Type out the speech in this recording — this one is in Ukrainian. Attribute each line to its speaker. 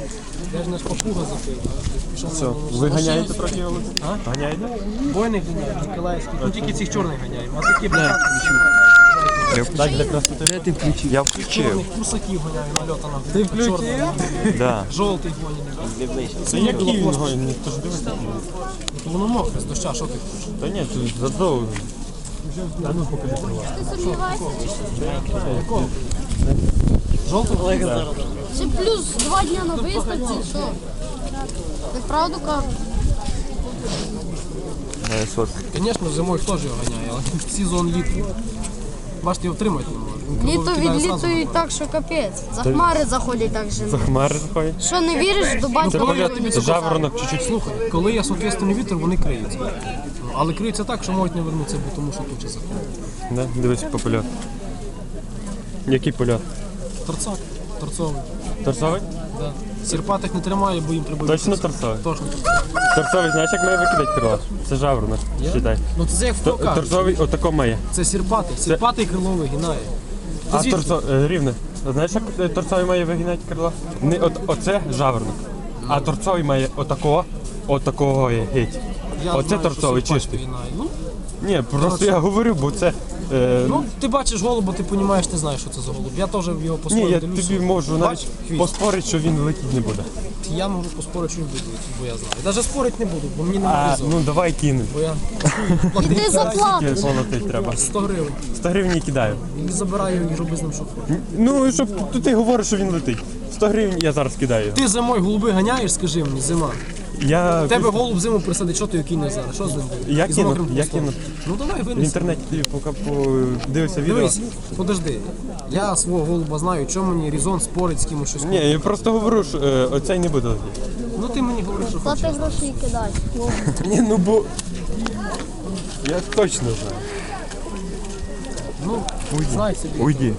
Speaker 1: Я ж не папуга запив.
Speaker 2: Все, ви ганяєте трохи його?
Speaker 1: А?
Speaker 2: Ганяєте?
Speaker 1: Бойних ганяємо, Ніколаївських. Ну тільки цих чорних ганяємо, а такі
Speaker 2: Так, для красоти. Де ти включив? Я включив.
Speaker 1: чорних курсаків ганяю нальотаном.
Speaker 2: Ти включив? Да.
Speaker 1: Жовтий гонять.
Speaker 2: Це який він гоні? Ніхто ж дивиться.
Speaker 1: Воно мокре з доща, що ти хочеш?
Speaker 2: Та ні, тут зато... А ну покажи права.
Speaker 1: Жовтий?
Speaker 3: Це плюс 2 дня на виставці, що? Ти правду кажеш?
Speaker 1: Звісно, зимою хто ж його ганяє, але сезон літній. Бачите, його втримати не може. Він
Speaker 3: Літо
Speaker 1: крило викидає зразу.
Speaker 3: відлітують так, що капець. За хмари заходять так же.
Speaker 2: Хмари заходять.
Speaker 3: Що не віриш, до батька
Speaker 2: Це жаворонок чуть-чуть.
Speaker 1: Слухай, коли є соответственний вітер, вони криються. Ну, але криються так, що можуть не вернутися, бо тому що туча заходить.
Speaker 2: Да? Дивись по польоту. Який польот?
Speaker 1: Торцак, торцовий.
Speaker 2: Торцовий?
Speaker 1: Да. Сірпатих не тримає, бо їм треба...
Speaker 2: Точно
Speaker 1: бити.
Speaker 2: торцовий?
Speaker 1: Точно торцовий.
Speaker 2: Торцовий, знаєш, як має викидати крила? Це жаворонок, считай.
Speaker 1: Ну це як хто каже.
Speaker 2: Торцовий отако має.
Speaker 1: Це сірпатий. Сірпатий крило вигинає.
Speaker 2: А
Speaker 1: звідки?
Speaker 2: рівне. Знаєш, як торцовий має вигинати крила? Не, оце жаворонок. А торцовий має отакого є геть.
Speaker 1: Я
Speaker 2: Оце
Speaker 1: знаю,
Speaker 2: торцовий
Speaker 1: що сірпатий
Speaker 2: чистий.
Speaker 1: вигинає. Ну,
Speaker 2: Ні, просто я говорю, бо це...
Speaker 1: ну, ти бачиш голуба, ти розумієш, ти знаєш, що це за голуб. Я теж його
Speaker 2: Ні,
Speaker 1: по-своєму
Speaker 2: я
Speaker 1: дивлюся.
Speaker 2: тобі можу
Speaker 1: Бач,
Speaker 2: навіть
Speaker 1: хвіст.
Speaker 2: поспорити, що він летіти не буде.
Speaker 1: Я можу поспорити, що він буде, бо я знаю. Навіть спорити не буду, бо мені не
Speaker 2: А,
Speaker 1: повезло.
Speaker 2: ну давай кинемо.
Speaker 1: Бо я
Speaker 3: Іди заплати.
Speaker 2: Скільки полетить треба?
Speaker 1: 100 гривень.
Speaker 2: 100 гривень і кидаю.
Speaker 1: І забираю і роби з ним що хочеш.
Speaker 2: Ну, щоб ти говориш, що він летить. 100 гривень я зараз кидаю його.
Speaker 1: Ти зимою голуби ганяєш, скажи мені, зима.
Speaker 2: Я,
Speaker 1: Тебе голуб зиму присадить, що ти його кинеш зараз? Що з ним буде?
Speaker 2: Я
Speaker 1: І з
Speaker 2: кину,
Speaker 1: мокрим
Speaker 2: я
Speaker 1: хвостом.
Speaker 2: кину.
Speaker 1: Ну давай
Speaker 2: в
Speaker 1: винеси.
Speaker 2: інтернеті поки подивився відео.
Speaker 1: Дивись, подожди. Я свого голуба знаю, чому мені Різон спорить з кимось щось.
Speaker 2: Ні, я просто говорю, що оцей не буде летіти.
Speaker 1: Ну ти мені говориш, що
Speaker 3: Та
Speaker 1: хочеш.
Speaker 3: ти гроші кидай.
Speaker 2: Ні, ну бо... Я точно знаю.
Speaker 1: Ну, знай собі.
Speaker 2: Уйди.